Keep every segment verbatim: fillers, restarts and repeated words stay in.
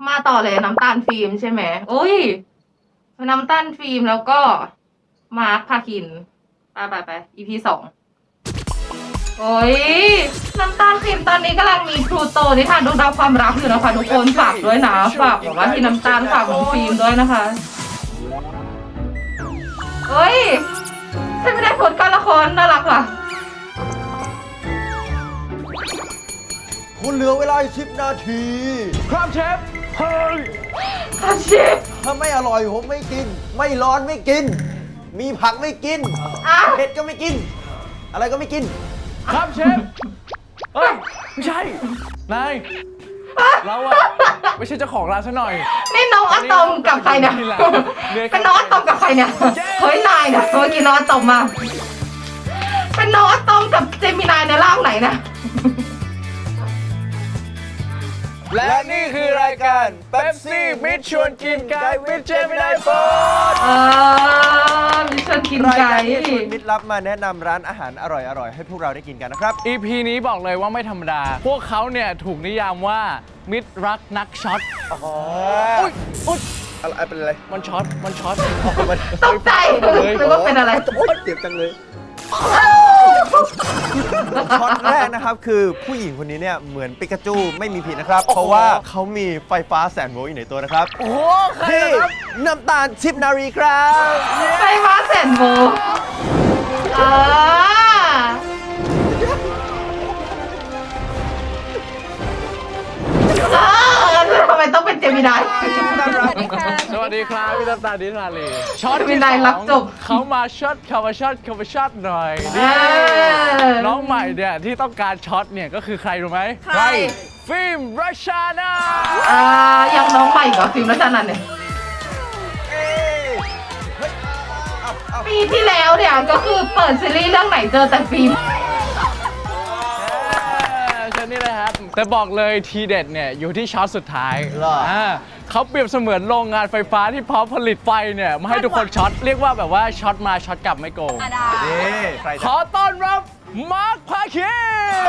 มาต่อเลยน้ำตาลฟิล์มใช่ไหมโอ้ยน้ำตาลฟิล์มแล้วก็มาร์คพาคินไปไปไป อี พี สองโอ้ยน้ำตาลฟิล์มตอนนี้กำลังมีพลูโตนิทานดวงดาวความรักอยู่นะคะทุกคนฝากด้วยนะฝากบอกว่าที่น้ำตาลฝากของฟิล์มด้วยนะคะเฮ้ยฉันไม่ได้ผลการละครน่ารักว่ะคุณเหลือเวลาสิบนาทีครับเชฟเฮ้ยอาเชฟถ้าไม่อร่อยผมไม่กิน ไม่ร้อนไม่กิน มีผักไม่กินอ่ะเผ็ดก็ไม่กิน อะไรก็ไม่กินครับเชฟ เฮ้ย ไม่ใช่ นาย เราอะไม่ใช่เจ้าของร้านซะหน่อยนี่น้องอะตอมกับใครเนี่ยเป็นน้องอะตอมกับใครเนี่ยเฮ้ยนายเนี่ยเมื่อกี้น้องอะตอมมาเป็นน้องอะตอมกับเจมินายในร่างไหนนะและนี่คือรายการเป๊ปซี่มิชชวนกินไก่วิดเจมินายโฟร์ดเออมิชวนกินรายไก่การที่ชวนมิตรลับมาแนะนำร้านอาหารอร่อยๆให้พวกเราได้กินกันนะครับอี พี นี้บอกเลยว่าไม่ธรรมดา พวกเขาเนี่ยถูกนิยามว่ามิตรรักนักช็อตอ๋ออุ๊ยอุ๊ยอะไรเป็นอะไรมันช็อต มันช็อตตกใจนึกว่าเป็นอะไรโอ๊ยเจ็บจังเลยช็อตแรกนะครับคือผู้หญิงคนนี้เนี่ยเหมือนปิกาจูไม่มีผิดนะครับ เพราะว่าเขามีไฟฟ้าแสนโวลต์อยู่ในตัวนะครับโอ้โหใครที่นะครับน้ำตาลชิปนารีครับไฟฟ้าแสนโวลต์เออเออทำไมต้องเป็นเจมินายสวัสดีครับพี่น้ำตาลดิสาลีช็อตเจมิที่นายสรัอบ งจบเขามาช็อตเขามาช็อตเขามาช็อตหน่อยเอนี่อน้องใหม่เนี่ยที่ต้องการช็อตเนี่ยก็คือใครรู้ไหมใครฟิล์มรัชชานาอ่ายังน้องใหม่กว่าฟิล์มรัชนันท์เนี่ยปีที่แล้วเนี่ยก็คือเปิดซีรีส์เรื่องไหนเจอแต่ฟิล์มเช่นนี้เลยครับ แต่บอกเลยทีเด็ดเนี่ยอยู่ที่ช็อตสุดท้ายเหรออ่าเขาเปรียบเสมือนโรงงานไฟฟ้าที่พร้อมผลิตไฟเนี่ยมาให้ทุกคนช็อต เรียกว่าแบบว่าช็อตมาช็อตกลับไม่โกงนี่ใครขอต้อนรับมาร์คพาคิน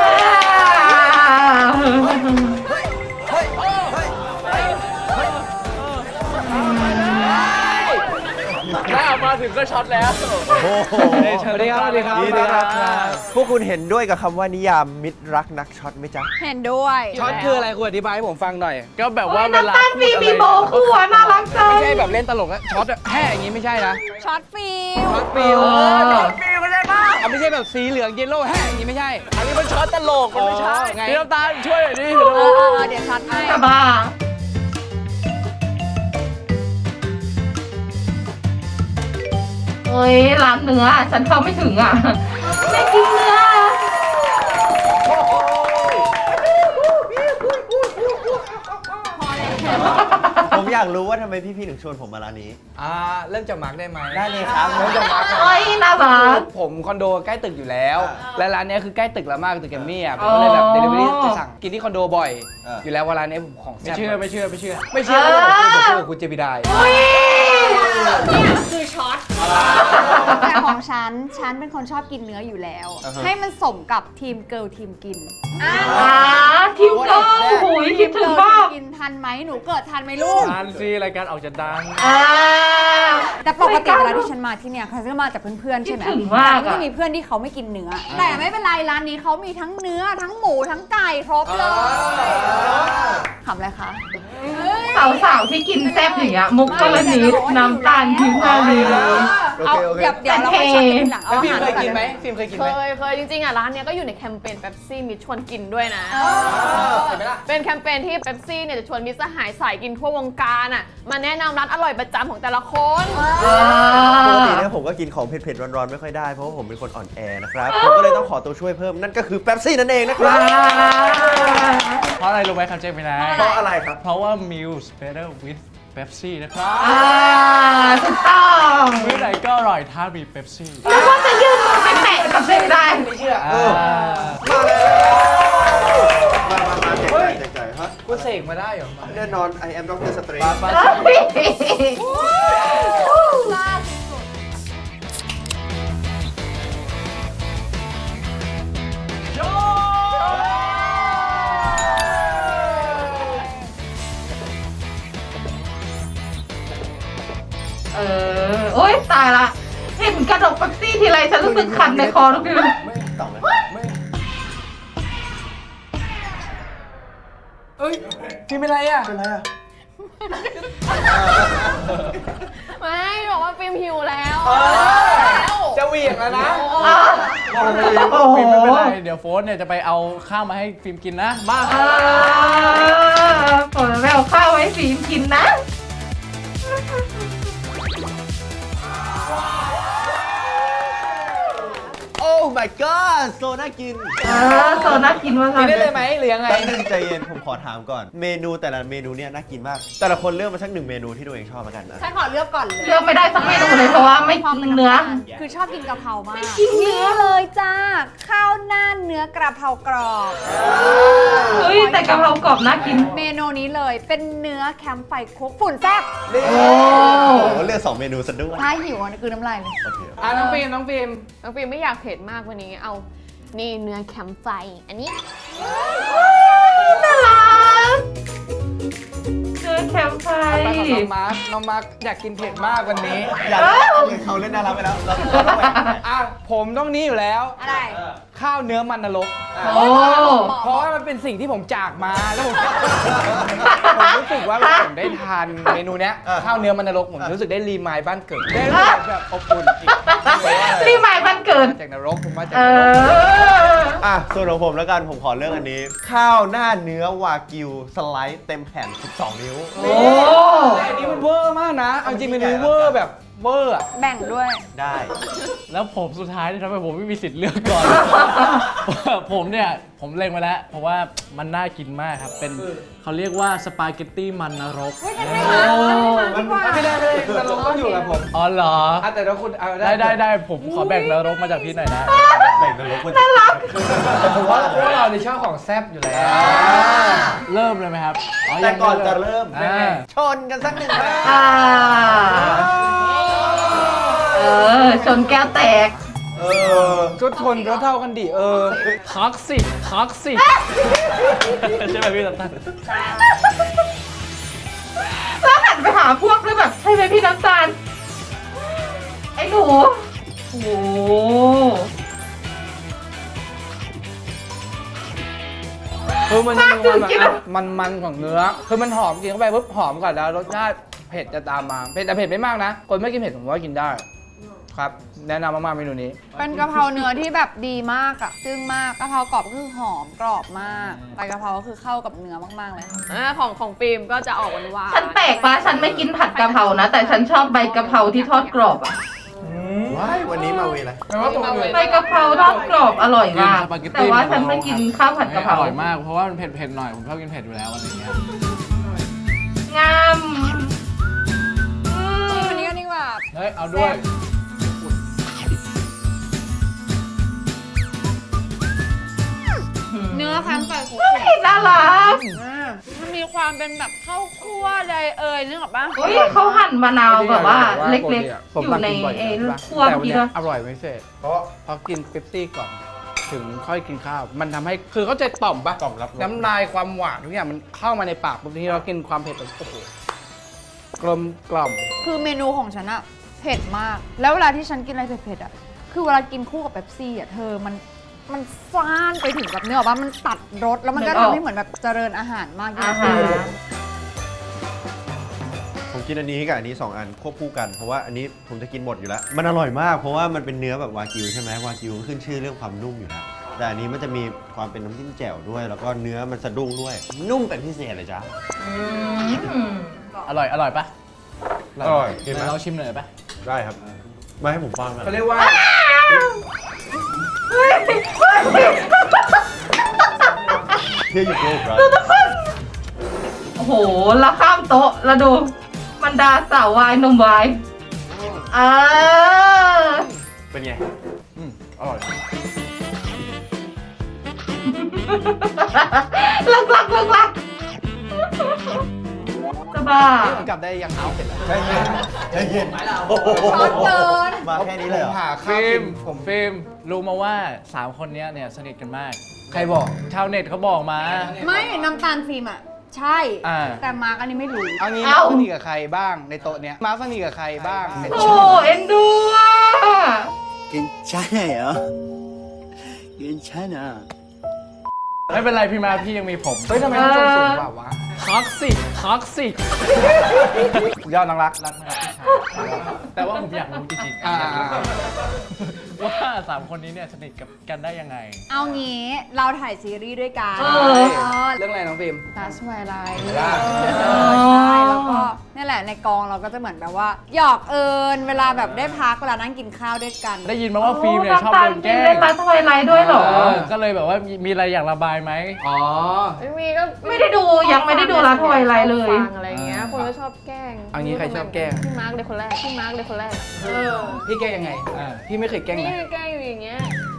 เฮ้ยเฮ้ยเฮ้ยถ้ามาถึงก็ช็อตแล้วโอ้โหสวัสดีครับสวัสดีครับยินดีต้อนรับครับพวกคุณเห็นด้วยกับคำว่านิยามมิตรรักนักช็อตไหมจ๊ะเห็นด้วยช็อตคืออะไรคุณอธิบายให้ผมฟังหน่อยก็แบบโอ้ว่าย เวลาน้ำตาลฟิล์มมีโบคู่อะน่ารักจังไม่ใช่แบบเล่นตลกแล้วช็อตอะแห่อย่างงี้ไม่ใช่นะช็อตฟิลช็อตฟิลเออช็อตฟิลก็ได้ป่ะอ่ะไม่ใช่แบบสีเหลืองเยลโล่แห่อย่างงี้ไม่ใช่อันนี้มันช็อตตลก มันไม่ใช่อ๋อไงพี่น้ำตาลช่วยหน่อยดิเออเออเออเดี๋ยวช็อตให้จะบ้าเฮ้ยร้านเนื้อฉันเข้าไม่ถึงอ่ะไม่กินเนื้อผมอยากรู้ว่าทำไมพี่ๆถึงชวนผมมาร้านนี้อ่าเริ่มจากมาร์กได้ไหมได้เลยครับเริ่มจากมาร์กเฮ้ยน่ารักผมคอนโดใกล้ตึกอยู่แล้วอ่าและร้านเนี้ยคือใกล้ตึกเรามากตึกแกรมมี่อ่ะผมก็เลยแบบเดลิเวอรี่จะสั่งกินที่คอนโดบ่อยอ่าอยู่แล้วว่าร้านเนี้ยผมของไม่แซ่บเชื่อไม่เชื่อไม่เชื่อไม่เชื่อก็ผมคุยกับคุณเจมิไดายอุ้ยแต่ของฉัน ฉันเป็นคนชอบกินเนื้ออยู่แล้วอ่าฮะให้มันสมกับทีมเกิร์ลทีมกินอ่าอ่าทิวเกอร์โอ้ยคิดถึงมากกินทันไหมหนูเกิดทันไหมลูกทานซีรายการออกจะดังอ่าแต่ปกติเวลาที่ฉันมาที่เนี่ยเขาจะมาจากเพื่อนๆใช่ไหมคิดถึงมากอะแต่ก็จะมีเพื่อนที่เขาไม่กินเนื้อ แต่ไม่เป็นไรร้านนี้เขามีทั้งเนื้อทั้งหมูทั้งไก่ครบเลยขำอะไรคะสาวๆที่กินแซ่บอย่างเงี้ยมุกก็ละนิดน้ำตาลทิพย์นาลีโอเอาเคโอเคเดี๋ยวเดี๋ยวเราไปช็อตกันทีหลังเอาแล้วอาฟิล์หาม รเคยกินไหมก่อฟิล์มเคยกินเคไหมยเคยจริงๆอ่ะร้านเนี้ยก็อยู่ในแคมเปญเป๊ปซี่มิตรชวนกินด้วยนะเห็นไหมล่ะเป็นแคมเปญที่เป๊ปซี่เนี่ยจะชวนมิตรสหายสายกินทั่ววงการอ่ะมาแนะนำร้านอร่อยประจำของแต่ละคนปกติเนี่ยผมก็กินของเผ็ดๆร้อนๆไม่ค่อยได้เพราะว่าผมเป็นคนอ่อนแอนะครับ ผมก็เลยต้องขอตัวช่วยเพิ่มนั่นก็คือเป๊ปซี่นั่นเองนะครับเพราะอะไรรู้ไหมครับเจมินายเพราะอะไรครับเพราะว่า Meals Better with Pepsi นะครับอ่าถูกต้องมื้อไหนก็อร่อยถ้ามีเ e ปซี่แล้วก็จะยืนมือไปแตะกับเส้นได้ไม่เชื่อเออ มาแล้วมามามาแจกจ่ายแจกจ่ายฮะคุณเสกมาได้เหรอแน่นอน I am Doctor Strange เฮ้ยเเออ โอ๊ย ตายละ เห็นกระดกเป๊ปซี่ทีไรฉันรู้สึกคันในคอทุกทีต่อไหมเอ้ยพี่เป็นไรอ่ะเป็นไรอ่ะไม่บอกว่าฟิล์มหิวแล้วจะเหวี่ยงแล้วนะอ่ะโอ้โหฟิล์มไม่เป็นไรเดี๋ยวโฟนเนี่ยจะไปเอาข้าวมาให้ฟิล์มกินนะมาอ่าผมไปเอาข้าวไว้ฟิล์มกินนะโอ้ my god โซน่ากินเออโซน่ากินมากกินได้เลยไหมหรือยังไงแป๊บนึงใจเย็นผมขอถามก่อน เมนูแต่ละเมนูเนี่ยน่ากินมาก แต่ละคนเลือกมาสักหนึ่งเมนูที่ตัวเองชอบแล้วกันนะฉันขอเลือกก่อนเลยเลือกไม่ได้สักเมนูเลยเพราะว่าไม่กินเนื้อคือชอบกินกะเพรามากกินเนื้อเลยจ้า ข้าวหน้าเนื้อกระเพรากรอบเฮ้ยแต่กะเพรากรอบน่ากินเมนูนี้เลยเป็นเนื้อแคมป์ไฟคลุกฝุ่นแซ่บนี่โอ้โอ้โหเลือกสองเมนูซะด้วยถ้าหิวอ่ะคือน้ำลายเลยโอเคอ่ะน้องฟิล์มน้องฟิล์มน้องฟิล์มไม่อยากเผ็ดมากวันนี้เอา นี่เนื้อแคมป์ไฟ อันนี้น่ารักเนื้อแคมป์ไฟไปกับน้องมาร์คน้องมาร์คอยากกินเผ็ดมากวันนี้อยากเขาเล่นน่ารักไปแล้วเราต้องแหวกอ่ะผมต้องนี้อยู่แล้วอะไรข้าวเนื้อมันนรกโอ้เพราะว่ามันเป็นสิ่งที่ผมจากมาแล้วผมผมรู้สึกว่าผมได้ทานเมนูเนี้ยข้าวเนื้อมันนรกผมรู้สึกได้รีมายบ้านเกิดได้รู้สึกแบบอบอุ่นอีกรีหมายวันเกิดมาจากนรกผมมาจากเอนรกออ่ะส่วนของผมแล้วกันผมขอเลือกอันนี้ ข้าวหน้าเนื้อวากิวสไลด์เต็มแผ่นสิบสองนิ้วโอ้แต่อันนี้มันเวอร์มากนะเอาจริงเมนูเวอร์แบบเวอร์อะแบ่งด้วยได้แล้วผมสุดท้ายที่ทำให้ผมไม่มีสิทธิ์เลือกก่อน ผมเนี่ย ผมเล็งมาแล้ว เพราะว่ามันน่ากินมากครับ เป็นเขาเรียกว่าสปาเกตตี้มันนรกมันไม่ไม่ได้ไม่ได้นรกต้องอยู่กับผมอ๋อเหรอแต่ถ้าคุณได้ได้ได้ผมขอแบ่งนรกมาจากพี่หน่อยนะแบ่งนรกมันผมว่าพวกเราในชอบของแซ่บอยู่แล้ว เริ่มเลยไหมครับแต่ก่อนจะเริ่มอ่าชนกันสักหนึ่งครั้งอ่าเออ ชนแก้วแตกเออก็ทนก็เท่ากันดิเออท็อกซิกท็อกซิกใช่ไหมพี่ตันตันแล้วหันไปหาพวกด้วยแบบ ใช่ไหมพี่น้ำตาล ไอ้หนู โอ้โหคือมันจะมีความแบบมันมันๆของเนื้อ คือมันหอมกินเข้าไปปุ๊บหอมก่อนแล้วรสชาติเผ็ดจะตามมาเผ็ดแต่เผ็ดไม่มากนะ คนไม่กินเผ็ดผมว่ากินได้ ครับ แนะนำมากๆเมนูนี้เป็นกะเพราเนื้อที่แบบดีมากอะจึ้งมากกะเพรากรอบก็คือหอมกรอบมากใบกะเพราก็คือเข้ากับเนื้อมากๆเลยค่ะอ่าของของฟิล์มก็จะออกหวานหวานฉันแปลกปะฉันไม่กินผัดกะเพรานะ แต่ฉันชอบใบกะเพราที่ทอดกรอบอะว้ายวันนี้มาเวลาใบกะเพราทอดกรอบอร่อยมากสปาเกตตี้แต่ว่าฉันไม่กินข้าวผัดกะเพราอร่อยมาก เพราะว่ามันเผ็ดๆหน่อย ผมชอบกินเผ็ดอยู่แล้วอะไรอย่างเงี้ยงามอืมวันนี้ก็ดีกว่าเฮ้ย เอาด้วยเนื้อแคมป์ไฟคลุกเฮ้ยน่ารักมันมีความเป็นแบบข้าวคั่วใดเอ่ยนึกออกปะเฮ้ยเขาหั่นมะนาวแบบว่าเล็กผมๆ อยู่ในกิบ่เอใช่ปะคั่วแต่วันกินเนี้ยอะอร่อยไม่เสร็จเพราะพอกินเป๊ปซี่ก่อน ถึงค่อยกินข้าว มันทำให้คือเข้าใจต่อมปะต่อมรับรสน้ำลายความหวานทุกอย่างมันเข้ามาในปากปุ๊บทีนี้เรากินความเผ็ดแบบโอ้โหกลมกล่อมคือเมนูของฉันอะเผ็ดมาก แล้วเวลาที่ฉันกินอะไรเผ็ดๆอะคือเวลากินคู่กับเป๊ปซี่อะเธอมันมันซ่านไปถึงแบบเนื้อออกปะมันตัดรสแล้วมันก็ทำให้เหมือนแบบเจริญอาหารมากยิ่อาง หาขึ้รนผมกินอันนี้กับอันนี้สองอันควบคู่กันเพราะว่าอันนี้ผมจะกินหมดอยู่แล้ว มันอร่อยมากเพราะว่ามันเป็นเนื้อแบบวากิวใช่ไหมวากิวขึ้นชื่อเรื่องความนุ่มอยู่แล้วแต่อันนี้มันจะมีความเป็นน้ำจิ้มแจ่วด้วย แล้วก็เนื้อมันสะดุ้งด้วย นุ่มเป็นพิเศษเลยจ้าอืมอร่อย อร่อยปะอร่อยกินไหมเราชิมหน่อยปะได้ครับมาให้ผมฟังมาเขาเรียกว่าเที่ยวอยู่โลกครับโอ้โห แล้วข้ามโต๊ะ แล้วดูบรรดาสาววายหนุ่มวายอ่าเป็นไงอืมอร่อยลักลักลักลักจะบ้ากลับได้ยังเอาเสร็จแล้วใจเย็นใจเย็นโอ้โหช็อตเกินมาแค่นี้เลยเหรอผมหาข้าวกินผมฟิล์มรู้มาว่าสามคนเนี้ยเนี่ยสนิทกันมาก ใครบอก ชาวเน็ตเขาบอกมาไม่น้ำตาลฟิล์มอะใช่อ่าแต่มาร์กอันนี้ไม่รู้เอางี้เอ้ามาร์คสนิทกับใครบ้างในโต๊ะเนี้ยมาร์คสนิทกับใครบ้างโอ้เอ็นดูอ่ะ 괜찮아요. 괜찮아. ไม่เป็นไรพี่มาพี่ยังมีผมเฮ้ยทำไมต้องส่งสูงกว่าวะท็อกซิกท็อกซิกยอดน้องรักรักนะครับพี่ชายแต่ว่าผมอยากรู้จริงๆอ่าอยากรู้ว่าสามคนนี้เนี่ยสนิทกับกันได้ยังไงเอางี้เราถ่ายซีรีส์ด้วยกันเออเรื่องอะไรน้องฟิล์มตัสไวไลท์ได้ใช่แล้วก็นี่แหละในกองเราก็จะเหมือนแบบว่าหยอกเอิญเวลาแบบได้พักเวลานั่งกินข้าวด้วยกันได้ยินมาว่าฟิล์มเนี่ยชอบโดนแกล้เล่งนรัดทอยไลท์ด้วยเหรอเออก็เลยแบบว่ามีมีอะไรอยากระบายไหมอ๋อไม่มีก็ไม่ได้ดูยังไม่ได้ดูรัดทอยไลท์เลยฟังอะไรเงี้ยคนก็ชอบแกล้งเอางี้ใครชอบแกล้งพี่มาร์กเลยคนแรกพี่มาร์กเลยคนแรกเออพี่แกล้งยังไงอ่าพี่ไม่เคยแกล้งนี่นะแกล้งอยู่อย่างเงี้ย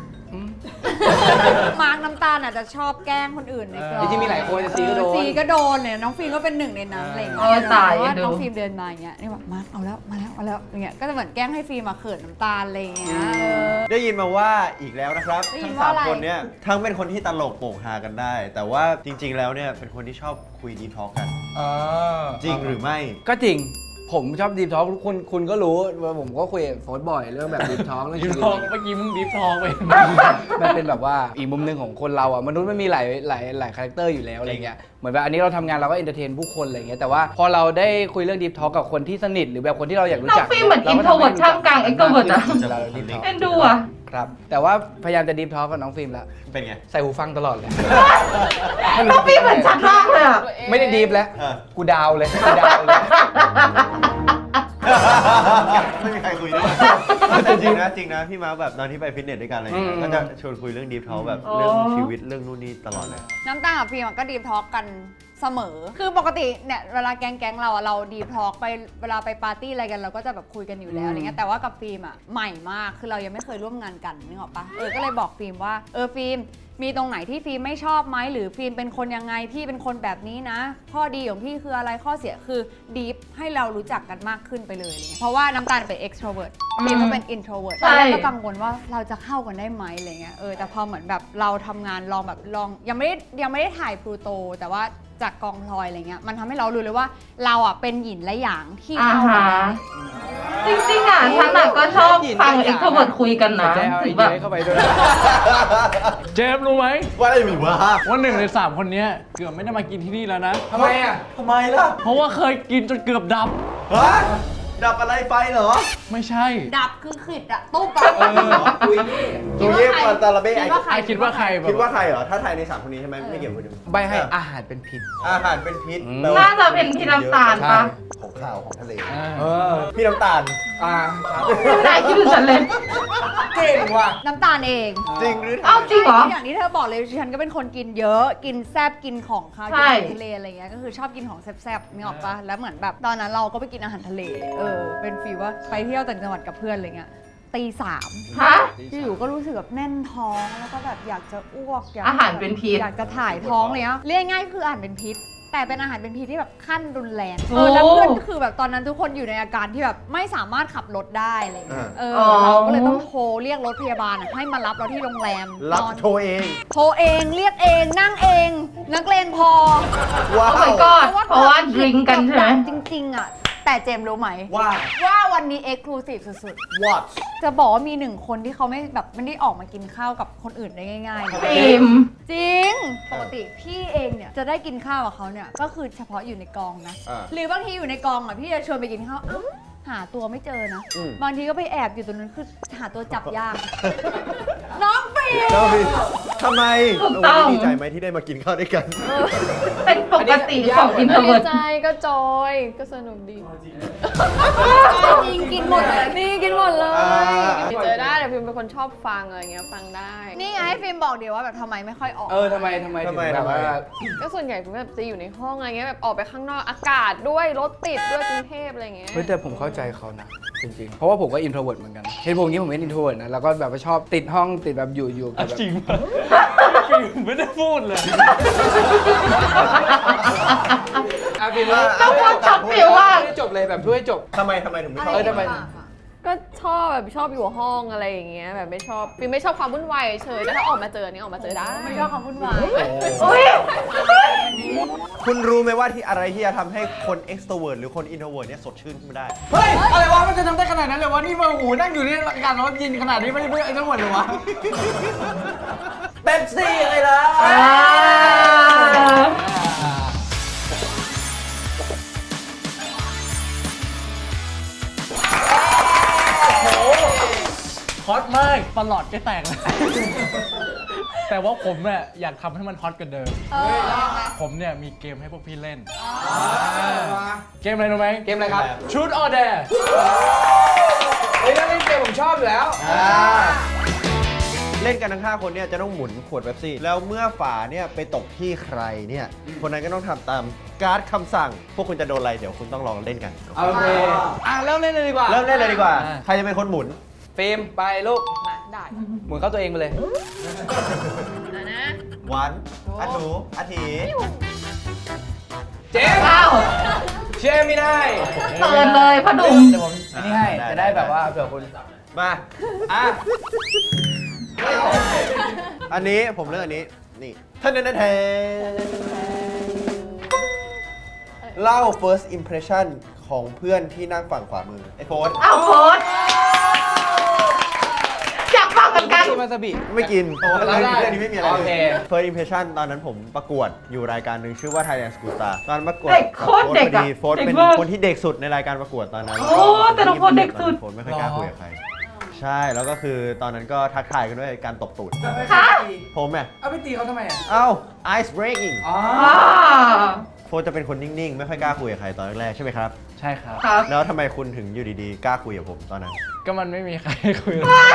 มาร์กน้ำตาลอาจจะชอบแกล้งคนอื่นในกองจริงๆมีหลายคนจะซีก็โดนซีก็โดนเนี่ยน้องฟิล์มก็เป็นหนึ่งในนั้นอะไรอย่างเงี้เออตายแต่ว่าดูน้องฟิล์มเดินมาอย่างเงี้ยนี่แบบมาร์กเอาแล้วมาแล้วมาแล้วอย่างเงี้ยก็จะเหมือนแกล้งให้ฟิล์มมาเขินน้ำตาลอะไรอย่างเงี้ยเออได้ยินมาว่าอีกแล้วนะครับได้ยิทั้นงว่าสามอะไรคนเนี่ยทั้งเป็นคนที่ตลกโปกฮากันได้ แต่ว่าจริง ๆ แล้วเนี่ยเป็นคนที่ชอบคุยดีทอล์กกันเออจริงหรือไม่ก็จริง ผมชอบดีฟทอล์กคุณคุณก็รู้ว่าผมก็คุยกับโฟนบ่อยเรื่องแบบดีฟทอล์กเรื่องดิชีฟวิตทองเมื่อกี้มึงดิฟทองไปมันเป็นแบบว่าอีกมุมหนึ่งของคนเราอ่ะมนุษย์มันมีหลายหลายหลายคาแรคเตอร์อยู่แล้วอะไรเงี้ยเหมือนแบบอันนี้เราทำงานเราก็เอนเตอร์เทนผู้คนอะไรเงี้ยแต่ว่าพอเราได้คุยเรื่องดีฟทอล์กกับคนที่สนิทหรือแบบคนที่เราอยากรู้น้อจังกฟิล์มเหมือนอินโทรเวิร์ดท่ามกลางเอ็กโทรเวิร์ดอะเราดีฟทอล์กเอ็นดูอ่ะครับแต่ว่าพยายามจะดีฟทอล์กกับน้องฟิล์มแล้วเป็นไงใส่หูฟังตลอดเลยน้องฟิล์มเหมือนชัดมากเลยอ่ะไม่ได้ดีฟแล้วเออกูดาวเลยกูดาวเลยไม่มีใครคุยด้วยแต่จริงนะจริงนะพี่มาร์คแบบตอนที่ไปฟิตเนสด้วยกันอะไรอย่างเงี้ยอืมก็จะชวนคุยเรื่องดีฟทอล์กแบบอ๋อเรื่องชีวิตเรื่องนู่นนี่ตลอดเลยน้ำตาลกับฟิล์มอะก็ดีทอล์กกันเสมอ คือปกติเนี่ยเวลาแก๊งแก๊งๆเราอะเราดีทอล์กไปเวลาไปปาร์ตี้อะไรกันเราก็จะแบบคุยกันอยู่แล้วอะไรเงี้ยแต่ว่ากับฟิล์มอะใหม่มากคือเรายังไม่เคยร่วมงานกันนึกออกปะเออก็เลยบอกฟิล์มว่าเออฟิล์มมีตรงไหนที่ฟิล์มไม่ชอบไหมหรือฟิล์มเป็นคนยังไงพี่เป็นคนแบบนี้นะ ข้อดีของพี่คืออะไรข้อเสียคือดีฟให้เรารู้จักกันมากขึ้นไปเลยอะไรเงี้ยเพราะว่าน้ำตาลเป็น extrovert ฟิล์มก็เป็น introvert ตอนแรกก็กังวลว่าเราจะเข้ากันได้ไหมอะไรเงี้ยเออแต่พอเหมือนแบบเราทำงานลองแบบลองยังไม่ได้ยังไม่ได้ถ่ายพลูโตแต่ว่าจากกองพลอยอะไรเงี้ยมันทำให้เรารู้เลยว่าเราอ่ะเป็นหยินและหยางที่อ่าเข้ากัฮะนได้จริงๆอ่ะฉันอ่ะก็ชอบฟังเอ็กโทรเวิร์ดคุยกันนะใจเอาถึไองแบเดีบยเข้าไปด้วยเจมส์รู้ไหมว่าอะไรมีวะว่าหนึ่งในสามคนเนี้ยเกือบไม่ได้มากินที่นี่แล้วนะทำไมอ่ะทำไมล่ะเพราะว่าเคยกินจนเกือบดับฮะดับอะไรไฟเหรอไม่ใช่ดับคือขิดอะตุ๊บอะเออคุยดูเย่ปันตาลาเบ้ไอคิดว่าใครไอคิดว่าใครแบบคิดว่าใครเหรอ ถ้าทายในสามคนนี้ใช่ไหมไม่เกี่ยวกับคนอื่นใบให้อาหารเป็นพิษอาหารเป็นพิษอืมแปลว่น่าจะเป็นพี่น้ำตาลปะของข้าวของทะเลอ่าเออพี่น้ำตาลอ่าไม่ได้คิดถึงฉันเลยเก่งว่ะน้ำตาลเองจริงหรือเอ้าจริงเหรออย่างที่เธอบอกเลยฉันก็เป็นคนกินเยอะ กินแซบกินของข้าวใช่กินอาหารทะเลอะไรเงี้ยก็คือชอบกินของแซบๆนึกออกปะแล้วเหมือนแบบตอนนั้นเราก็ไปกินอาหารทะเลเออเป็นฟีลว่าไปเที่ยวต่างจังหวัดกับเพื่อนอะไรเงี้ยตีสามฮะอยู่ๆก็รู้สึกแบบแน่นท้องแล้วก็แบบอยากจะอ้วกยกอาหารเป็นพิษอยากจะถ่ายท้องเลยนะเรียกง่ายๆคืออาหารเป็นพิษ แต่เป็นอาหารเป็นพิษที่แบบขั้นรุนแรงโอ้เออแล้วเพื่อนก็คือแบบตอนนั้นทุกคนอยู่ในอาการที่แบบไม่สามารถขับรถได้อะไรเงี้ยเออเราก็เลยต้องโทรเรียกรถพยาบาลอะให้มารับเราที่โรงแรมรับนอนโชว์เองโทรเองเรียกเองนั่งเอง นักเลงพอว้าโอ้ my ว god เพราะว่าดริงกันใช่ไหมจริงๆอ่ะแต่เจมส์รู้ไหมว่าว่าวันนี้เอ็กซ์คลูซีฟสุด what ๆ จะบอกว่ามีหนึ่งคนที่เขาไม่แบบไม่ได้ออกมากินข้าวกับคนอื่นได้ง่ายๆนะฟิล์มจริง ปกติพี่เองเนี่ยจะได้กินข้าวกับเขาเนี่ยก็คือเฉพาะอยู่ในกองนะอ่าหรือบางทีอยู่ในกองอ่ะพี่จะชวนไปกินข้าวอ้าวหาตัวไม่เจอนะอืมบางทีก็ไปแอบอยู่ตรงนั้นคือหาตัวจับยาก น้องฟิล์มเจ้าพี่ทำไมถูกต้องโดีใจไหมที่ได้มากินข้าวด้วยกันเป็นปกติของอินโทรดีเวิร์ดใจก็จอยก็สนุกดีจริงกินหมดเลยนี่กินหมดเลยอ่าเจอได้แต่พิมเป็นคนชอบฟังอะไรเงี้ยฟังได้นี่ไงให้ฟิล์มบอกเดี๋ยวว่าแบบทำไมไม่ค่อยออกเออทำไมทำไมทำไมถึงแบบว่าทำไมก็ส่วนใหญ่พิมแบบจะอยู่ในห้องอะไรเงี้ยแบบออกไปข้างนอกอากาศด้วยรถติดด้วยกรุงเทพอะไรเงี้ยเฮ้ยแต่ผมเข้าใจเขานะจริงๆ เพราะว่าผมก็อินโทรเวิร์ดเหมือนกันเห็นผมอย่างนี้ผมเป็นอินโทรเวิร์ดนะแล้วก็แบบว่าชอบติดห้องติดแบบอยู่อยู่กับแบบจริงปะฟิล์มไม่ได้พูดเลยอ่ะฟิล์มว่าต้องพูดช็อตฟิลว่าไม่ได้จบเลยแบบช่วยจบทำไมทำไมถึงไม่ชอบเออทำไมเก็ชอบแบบชอบอยู่ห้องอะไรอย่างเงี้ยแบบไม่ชอบฟิล์มไม่ชอบความวุ่นวายเฉยแต่ถ้าออกมาเจอนี่ออกมาเจอได้ไม่ชอบความวุ่นวายโอ้ยคุณรู้ไหมว่าที่อะไรที่จะทำให้คน extrovert หรือคน introvert เนี่ยสดชื่นขึ้นมาได้เฮ้ย อะไรวะ มันจะทำได้ขนาดนั้นเลยวะ นี่มาหูนั่งอยู่นี่อากาศร้อนเย็นขนาดนี้ไม่ได้เพื่อไอ้ทั้งหมดเลยวะเป๊ปซี่อะไรล่ะอ่าฮอตมากประหลอดจะแตกเลย แต่ว่าผมเนี่ยอยากทำให้มันฮอตกว่าเดิมเออยังไงผมเนี่ยมีเกมให้พวกพี่เล่น เกมอะไรรู้ไหมเกมอะไรครับชุดออเดอร์เฮ้ยนั่นเล่นเกมผมชอบอยู่แล้วเล่นกันทั้งห้าคนเนี่ยจะต้องหมุนขวดเป๊ปซี่ แล้วเมื่อฝาเนี่ยไปตกที่ใครเนี่ย คนนั้นก็ต้องทำตามการ์ดคำสั่ง พวกคุณจะโดนอะไร เดี๋ยวคุณต้องลองเล่นกันโอเค อ่ะเริ่มเล่นเลยดีกว่าเริ่มเล่นเลยดีกว่า ใครจะเป็นคนหมุนฟิล์มไปลูกมาได้หมุนเข้าตัวเองไปเลยนะนะวันอาทูอาทีเจมส์อ้าวเชื่อไม่ได้เปิดเลยพ่อหนุ่มเดี๋ยวผมอันนี้ให้ จะได้แบบว่าเผื่อคุณมาอ่ะอันนี้ผมเลือกอันนี้ นี่ท่านนันเทเล่า first impression ของเพื่อนที่นั่งฝั่งขวามือ ไอ้โฟนอ้าวโค้ดอยากฟังเหมือนกันกินวาซาบิไม่กินเพราะว่าเรื่องนี้ได้เรื่องนี้ไม่มีอะไรโอเค first impression ตอนนั้นผมประกวดอยู่รายการหนึ่งชื่อว่า Thailand School Star ตอนประกวดเด็กโคตรเด็กอะโฟนเป็นเด็กมากคนที่เด็กสุดในรายการประกวดตอนนั้นโอ้แต่น้องโฟนเด็กสุดโฟนไม่ค่อยกล้าคุยกับใคร ใช่ แล้วก็คือตอนนั้นก็ทักทายกันด้วยการตบตูดคะผมอ่ะเอาไปตีเขาทำไมอ่ะเอ้า ice breaking อ๋ออ่าโฟนจะเป็นคนนิ่งๆ ไม่ค่อยกล้าคุยกับใครตอนแรกๆใช่ไหมครับใช่ครับครับแล้วทำไมคุณถึงอยู่ดีๆ กล้าคุยกับผมตอนนั้นก็มันไม่มีใครคุยแหม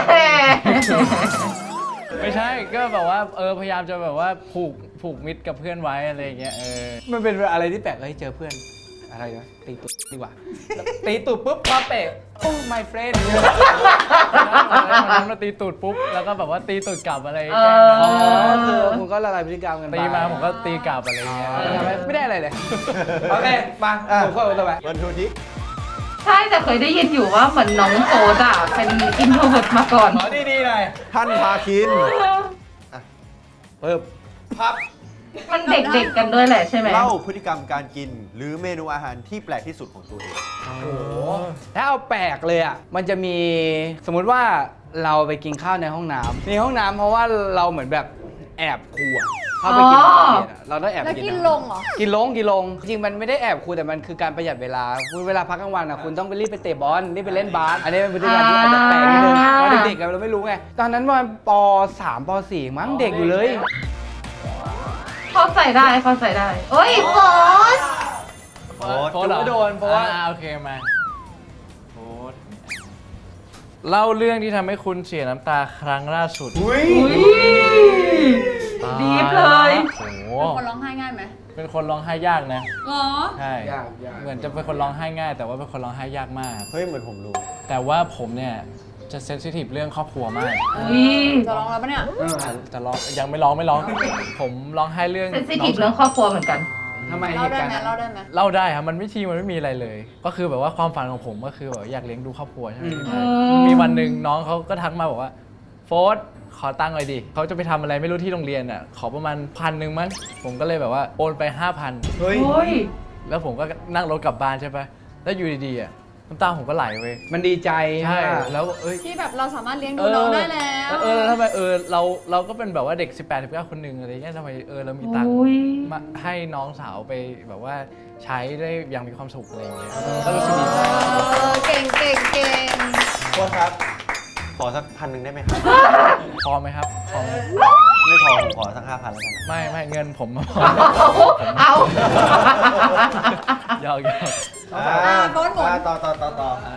ไม่ใช่ ก็แบบว่าเออพยายามจะแบบว่าผูกผูกมิตรกับเพื่อนไว้อะไรอย่างเงี้ย เออมันเป็นอะไรที่แปลกเลยเจอเพื่อน อะไรนะตีตุดดีกว่า ตีตุดปุ๊บมาเปะโอ้ my friend วันนั้นมาตีตูดปุ๊บ แล้วก็แบบว่าตีตูดกลับอะไรเอแกล้งกันออ๋อคือคุณก็ละลายพฤติกรรมกันไปตีมาผมก็ตีกลับอะไรเงี้ยอ๋อทำไมไม่ได้อะไรเลย โอเค มาอ่ะผมเข้าตัวไปวันทูทิใช่แต่เคยได้ยินอยู่ว่าเหมือนน้องโฟดอ่ะเป็นอินโทรเวิร์ตมาก่อนขอดีๆหน่อยท่านพาคินเพิ่มพับมันเด็กๆกันด้วยแหละใช่ไหมเล่าพฤติกรรมการกิน หรือเมนูอาหารที่แปลกที่สุดของตัวเองถ้าเอาแปลกเลยอ่ะ มันจะมีสมมุติว่าเราไปกินข้าวในห้องน้ำในห้องน้ำเพราะว่าเราเหมือนแบบแอบครัวเข้าไปกินข้าวเย็นอะเราต้องแอบแล้วไปกิกินนลงเหรอกินลงกินลงจริงมันไม่ได้แอบครูแต่มันคือการประหยัดเวลาคุณเวลาพักกลางวันอ่ะคุณต้องไปรีบไปเตะบอลรีบไปเล่นบาสอันนี้เป็นพฤติกรรมที่อาจจะแปลกนิดนึงตอนเด็กๆอะเราไม่รู้ไงตอนนั้นประมาณป สาม ป สี่ มั้งเด็กอยู่เลยเขาใส่ได้เขาใส่ได้โอ้ยโฟดโอ๊ตโฟดเหรอถือว่าโดนเพราะว่าอ่โอเคมาโฟดเล่าเรื่องที่ทำให้คุณเสียน้ำตาครั้งล่าสุดอุ้ยอุ้ยดีฟเลยโอ้โหเป็นคนร้องไห้ง่ายไหมเป็นคนร้องไห้ยากนะเหรอใช่ยากยากเหมือนจะเป็นคนร้องไห้ง่าย แต่ว่าเป็นคนร้องไห้ยากมากเฮ้ย เหมือนผมรู้แต่ว่าผมเนี่ยจะเซนซิทีฟเรื่องครอบครัวมากอุ้ยจะร้องแล้วปะเนี่ยจะร้องยังไม่ร้องไม่ร้อง ผมร้องไห้เรื่องเซนซิทีฟเรื่องครอบครัวเหมือนกันทำไมเหเล่าตุได้การณ์ไหมนั้นเล่าได้ไหมเล่าได้ครับมันไม่ทีมันไม่มีอะไรเลย ก็คือแบบว่าความฝันของผมก็คือแบบอยากเลี้ยงดูครอบครัวใช่ไหมอืมมีวันหนึ่งน้องเขาก็ทักมาบอกว่าโฟร์ธขอตังค์หน่อยดิเขาจะไปทำอะไรไม่รู้ที่โรงเรียนอ่ะขอประมาณพันหนึ่งมั้งผมก็เลยแบบว่าโอนไปห้าพันเฮ้ยโอ้ยแล้วผมก็นั่งรถกลับบ้านใช่ปะแล้วอยู่ดีๆอ่ะน้ำตาผมก็ไหลเว้ยมันดีใจใช่ไหมแล้วเอ้ยที่แบบเราสามารถเลี้ยงดูน้องได้แล้วเออแล้วทำไมเออเราเราก็เป็นแบบว่าเด็ก สิบแปด สิบเก้า คนหนึ่งอะไรเงี้ยทำไมเออเรามีตังค์โอ้ยมาให้น้องสาวไปแบบว่าใช้ได้อย่างมีความสุขอะไรอย่างเงี้ยก็รู้สึกดีใจเออเก่งเก่งเก่งโค้ชครับ ขอสักพันหนึ่งได้ไหมครับพอไหมครับพอไหมไม่พอ ผมขอสักห้าพันแล้วกันนะไม่ไม่เงินผมมาพอเอาหยอกหยอกอ่าต่อต่อต่อต่อต่ออ่า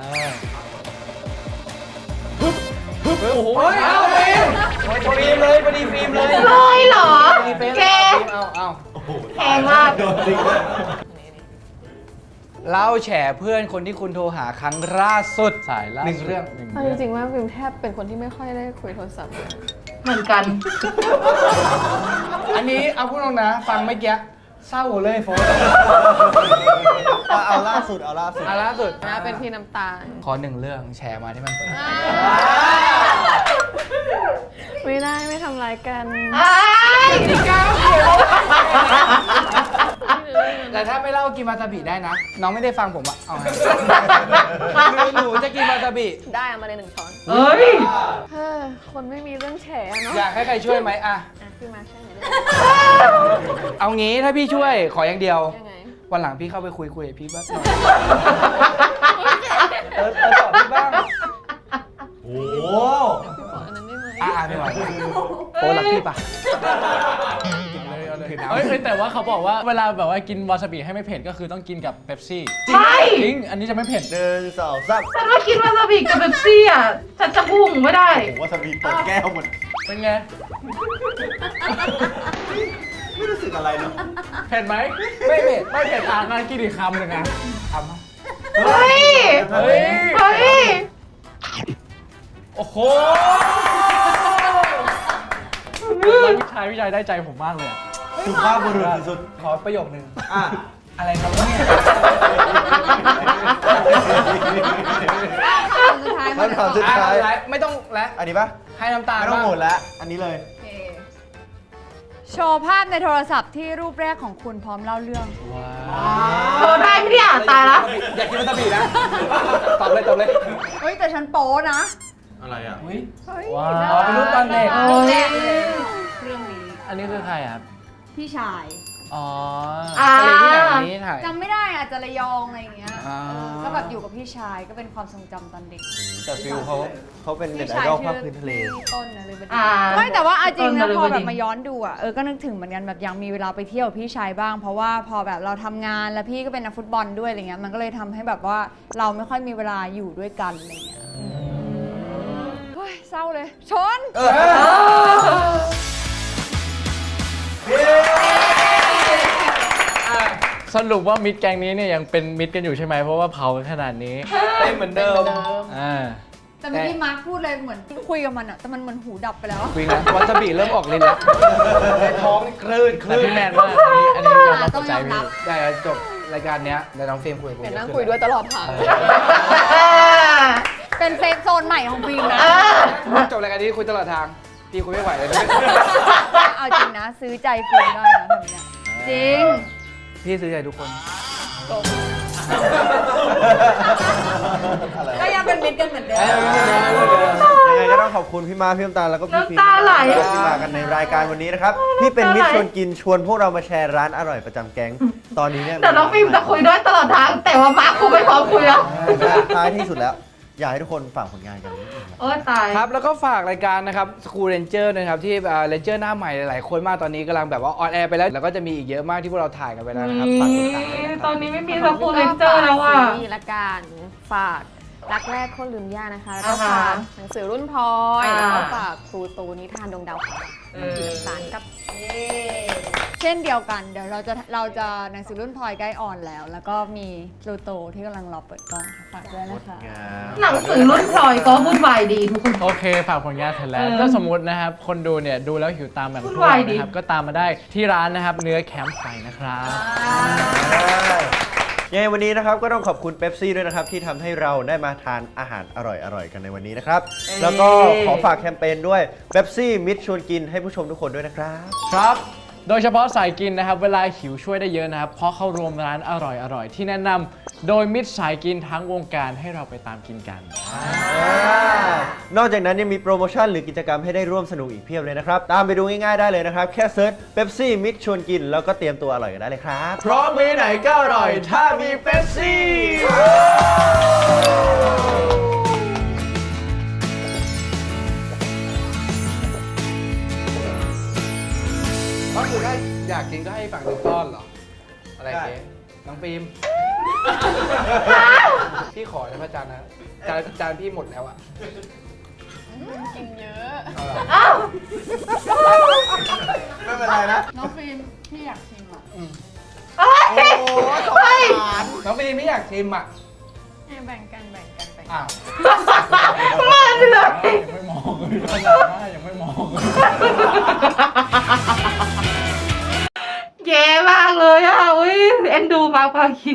โอ้โหเอาฟิล์มฟิล์มเลยพอดีฟิล์มเลยเลยเหรอพอดีฟิล์มแกเอาเอาแพงมากโดนจริงด้วยเล่าแฉเพื่อนคนที่คุณโทรหาครั้งล่าสุดสายล่าหนึ่งสุดเรื่องหนึ่งเอาเรื่องจริงๆว่าฟิล์มแทบเป็นคนที่ไม่ค่อยได้คุยโทรศัพท์เลยเหมือนกันอันนี้เอาพูดตรงนะ ฟังเมื่อกี้เศร้าเลยโฟนเอาล่าสุดเอาล่าสุดอ่ะล่าสุดนะเป็นพี่น้ำตาลขอหนึ่งเรื่องแชร์มาที่มันเปิดไม่ได้ไม่ทำร้ายกันอ้ายพี่ก้าวเขียวแต่ถ้าไม่เล่ากินวาซาบิได้นะ น้องไม่ได้ฟังผมอะเอาไงหนูหนูจะกินวาซาบิได้เอามาเลยหนึ่งช้อนเฮ้ยเฮ้อคนไม่มีเรื่องแฉอะเนาะอยากให้ใครช่วยไหมอะอ่ะพี่มาช่วยหน่อยได้เอางี้ถ้าพี่ช่วยขออย่างเดียวไหมยังไงวันหลังพี่เข้าไปคุยคุยกับพี่บ้างเออเออตอบพี่บ้างโอ้พี่ขออันนั้นได้ไหมอ่าไม่ไหวโฟนรักพี่ปะเลยเอาเลยเฮ้ยเฮ้ยแต่ว่าเขาบอกว่าเวลาแบบว่ากินวาซาบิให้ไม่เผ็ดก็คือต้องกินกับเป๊ปซี่ใช่จริง อันนี้จะไม่เผ็ดหนึ่งสองสามฉันว่ากินวาซาบิกับเบปซี่อ่ะ ฉันจะพุ่งไม่ได้ผมว่าสบีเปิดแก้วหมดเป็นไงไม่รู้สึกอะไรเนาะเผ็ดไหมไม่เผ็ดไม่เผ็ดอ่ะงั้นกินอีกคำหนึ่งนะทำมาเฮ้ยเฮ้ยเฮ้ยโอ้โหแล้วพี่ชายพี่ชายได้ใจผมมากเลยอะสุภาพบุรุษสุดขอประโยคนึงๆอ่ะอะไรครับเนี่ยสุดท้ายหมดคำถามสุดท้ายอ่ะไม่ต้องและอันนี้ปะให้น้ำตาลไม่ต้องบ้างโหมดแล้ว อันนี้เลยโชว์ภาพในโทรศัพท์ที่รูปแรกของคุณพร้อมเล่าเรื่องว้าโชว์ได้ไม่ได้อ่านตายละอยากกินวาซาบินะ ตอบเลยตอบเลยเฮ้ย แต่ฉันโป๊นะอะไรอ่ะเฮ้ยเฮ้ยว้าอ๋อเป็นรูปตอนเด็กรูปแรกเลยเรื่องนี้อันนี้คือใครอะครับพี่ชายอ๋ออ่าทะเลที่ไหนวันนี้ถ่ายจำไม่ได้อาจจะระยองอะไรอย่างเงี้ยอ่าก็แบบอยู่กับพี่ชายก็เป็นความทรงจำตอนเด็กแต่ฟิลเขาเขาเป็นเด็ดพี่ไอชายดอลชื่ภาพพื้นทะเลพี่ต้นนะเลยบดีอ่าไม่แต่ว่าเอาจริงต้นะนนฤพอบดินแบบมาย้อนดูอ่ะเออก็นึกถึงเหมือนกันแบบยังมีเวลาไปเที่ยวกับพี่ชายบ้าง เพราะว่าพอแบบเราทำงานแล้วพี่ก็เป็นนักฟุตบอลด้วยอะไรเงี้ยมันก็เลยทำให้แบบว่าเราไม่ค่อยมีเวลาอยู่ด้วยกันอะไรเงี้ยเฮ้ยเศร้าเลยชนสรุปว่ามิตรแกงนี้เนี่ยยังเป็นมิตรกันอยู่ใช่ไหมเพราะว่าเผากันขนาดนี้เป็นเหมือนเดิมอ่าแต่เมื่อกี้มาร์คพูดเลยเหมือนคุยกับมันอ่ะแต่มันเหมือนหูดับไปแล้ววิ่งแล้ววาซาบิเริ่มออกลิ้นแล้วในท้องนี่คลื่นคแต่ลื่นพี่แมนมากอันนี้อันนี้ยอมรับต้ตัอวงใจยอมรัพี่บได้จบรายการเนี้ยในน้องเฟรมคุยกับกูเดี๋ยวนั่งคุยด้วยตลอดทางเป็นเซฟโซนใหม่ของฟิล์มนะจบรายการนี้คุยตลอดทาง พี่คุยไม่ไหวเลยเอาจริงนะ ซื้อใจฟิล์มได้นะแบบเนี้ยจริงพี่ซื้อใจทุกคนก็ยังเป็นมิตรกันเหมือนเดิมยังไงก็ต้องขอบคุณพี่มาพี่น้ำตาลแล้วก็พี่ฟิล์มน้ำตาไหลที่มากันในรายการวันนี้นะครับที่เป็นมิตรชวนกินชวนพวกเรามาแชร์ร้านอร่อยประจำแก๊งตอนนี้เนี่ยแต่น้องฟิล์มจะคุยด้วยตลอดทาง แต่ว่ามาร์คกูไม่พร้อมคุยแล้วท้ายที่สุดแล้ว อยากให้ทุกคนฝากผลงานกันนิดนึงครับโอ้ยตายครับ แล้วก็ฝากรายการนะครับ School Ranger นะครับ ที่เรนเจอร์หน้าใหม่หลายๆคนมากตอนนี้กำลังแบบว่าออนแอร์ไปแล้ว แล้วก็จะมีอีกเยอะมากที่พวกเราถ่ายกันไปแล้วนะครับ ฝากติดตามด้วยนะคตรัอบ นนี้ไม่มีสกูลเลนเจอร์แล้วอ่ะซีรีส์ละกันฝากรักแรกคนลืมย่านะคะ แล้วก็อ่าฮะฝากหนังสือรุ่นพลอยอ่าแล้วก็ฝากครูตูนิทานดวงดาวค่ะเออสารกับเช่นเดียวกัน เดี๋ยวเราจะเราจะหนังสือรุ่นพลอยใกล้ออนแล้ว แล้วก็มีพลูโตที่กำลังรอเปิดกล้องค่ะฝากด้วยนะคะหนังสือรุ่นพลอยก็วุ่นวายดีทุกคนโอเค ฝากผลงานเสร็จแล้วเออถ้าสมมตินะครับ คนดูเนี่ย ดูแล้วหิวตามแบบพวกวุ่นวายเราดินะครับ ก็ตามมาได้ที่ร้านนะครับ เนื้อแคมป์ไฟนะครับยังไงวันนี้นะครับก็ต้องขอบคุณเป๊ปซี่ด้วยนะครับที่ทำให้เราได้มาทานอาหารอร่อยๆกันในวันนี้นะครับ แล้วก็ขอฝากแคมเปญด้วยเป๊ปซี่มิตรชวนกินให้ผู้ชมทุกคนด้วยนะครับครับ โดยเฉพาะสายกินนะครับ เวลาหิวช่วยได้เยอะนะครับ เพราะเข้ารวมร้านอร่อยๆ ที่แนะนำโดยมิตรสายกินทั้งวงการให้เราไปตามกินกันนอกจากนั้นยังมีโปรโมชั่นหรือกิจกรรมให้ได้ร่วมสนุกอีกเพียบเลยนะครับ ตามไปดูง่ายๆได้เลยนะครับ แค่เซิร์ชเป๊ปซี่มิตรชวนกินแล้วก็เตรียมตัวอร่อยกันได้เลยครับเพราะมื้อไหนก็อร่อยถ้ามีเป๊ปซี่ก็คือถ้าอยากกินก็ให้ฝั่งหนึ่งต้อนเหรอ อะไรเงี้ยน้องฟิล์ม พี่ขอนะพระอาจารย์นะ จานจานพี่หมดแล้วอะกินเยอะเอาล่ะอ้าวไม่เป็นไรนะน้องฟิล์มพี่อยากชิมอ่ะเฮ้ยเฮ้ยน้องฟิล์มไม่อยากชิมอะแบ่งกันแบ่งกันแบ่งกันอ้าวมาเลยยังไม่มองเลยขนาดหน้ายังไม่มองเลยแย่มมากเลยอ่ะอุ้ยเอ็นดูมาร์คพาคิน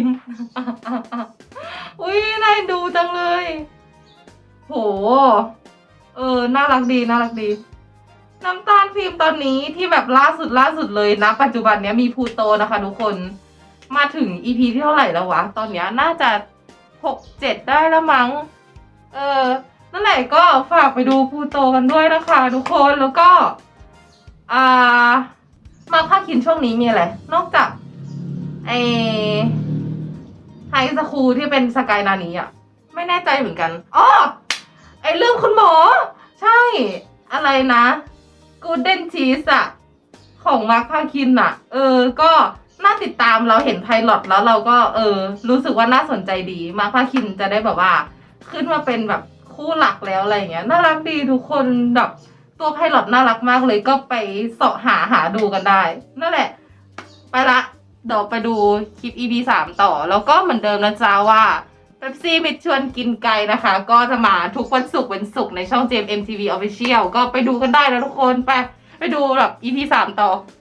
อุ้ยน่าเอ็นดูจังเลย โห เออ น่ารักดี น่ารักดี น้ำตาลฟิล์มตอนนี้ที่แบบล่าสุดล่าสุดเลยนะ ปัจจุบันเนี้ยมีพลูโตนะคะทุกคน มาถึง อี พี ที่เท่าไหร่แล้ววะ ตอนเนี้ยน่าจะหกเจ็ดได้แล้วมั้ง เออ นั่นแหละก็ฝากไปดูพลูโตกันด้วยนะคะทุกคน แล้วก็ อ่า มาภาคคินช่วงนี้มีอะไร นอกจาก ไอไฮสคูลที่เป็นสกายนานี้อ่ะ ไม่แน่ใจเหมือนกันอ๋อไอเรื่องคุณหมอ ใช่ อะไรนะกูเด้นชีสอะของมาร์คพาคินอะเออ ก็น่าติดตามเราเห็นไพลอตแล้วเราก็เออ รู้สึกว่าน่าสนใจดี มาร์คพาคินจะได้แบบว่า ขึ้นมาเป็นแบบคู่หลักแล้วอะไรอย่างเงี้ยน่ารักดีทุกคนแบบตัวไพลอตน่ารักมากเลยก็ไปเสาะหาหาดูกันได้ นั่นแหละ ไปละเดี๋ยวไปดูคลิป อี พี สามต่อ แล้วก็เหมือนเดิมนะจ๊ะว่าเป๊ปซี่มิดชวนกินไก่นะคะ ก็จะมาทุกวันศุกร์วันศุกร์ในช่อง เจมส์ เอ็ม ที วี Official ก็ไปดูกันได้นะทุกคนไปไปดูแบบ อี พี สามต่อ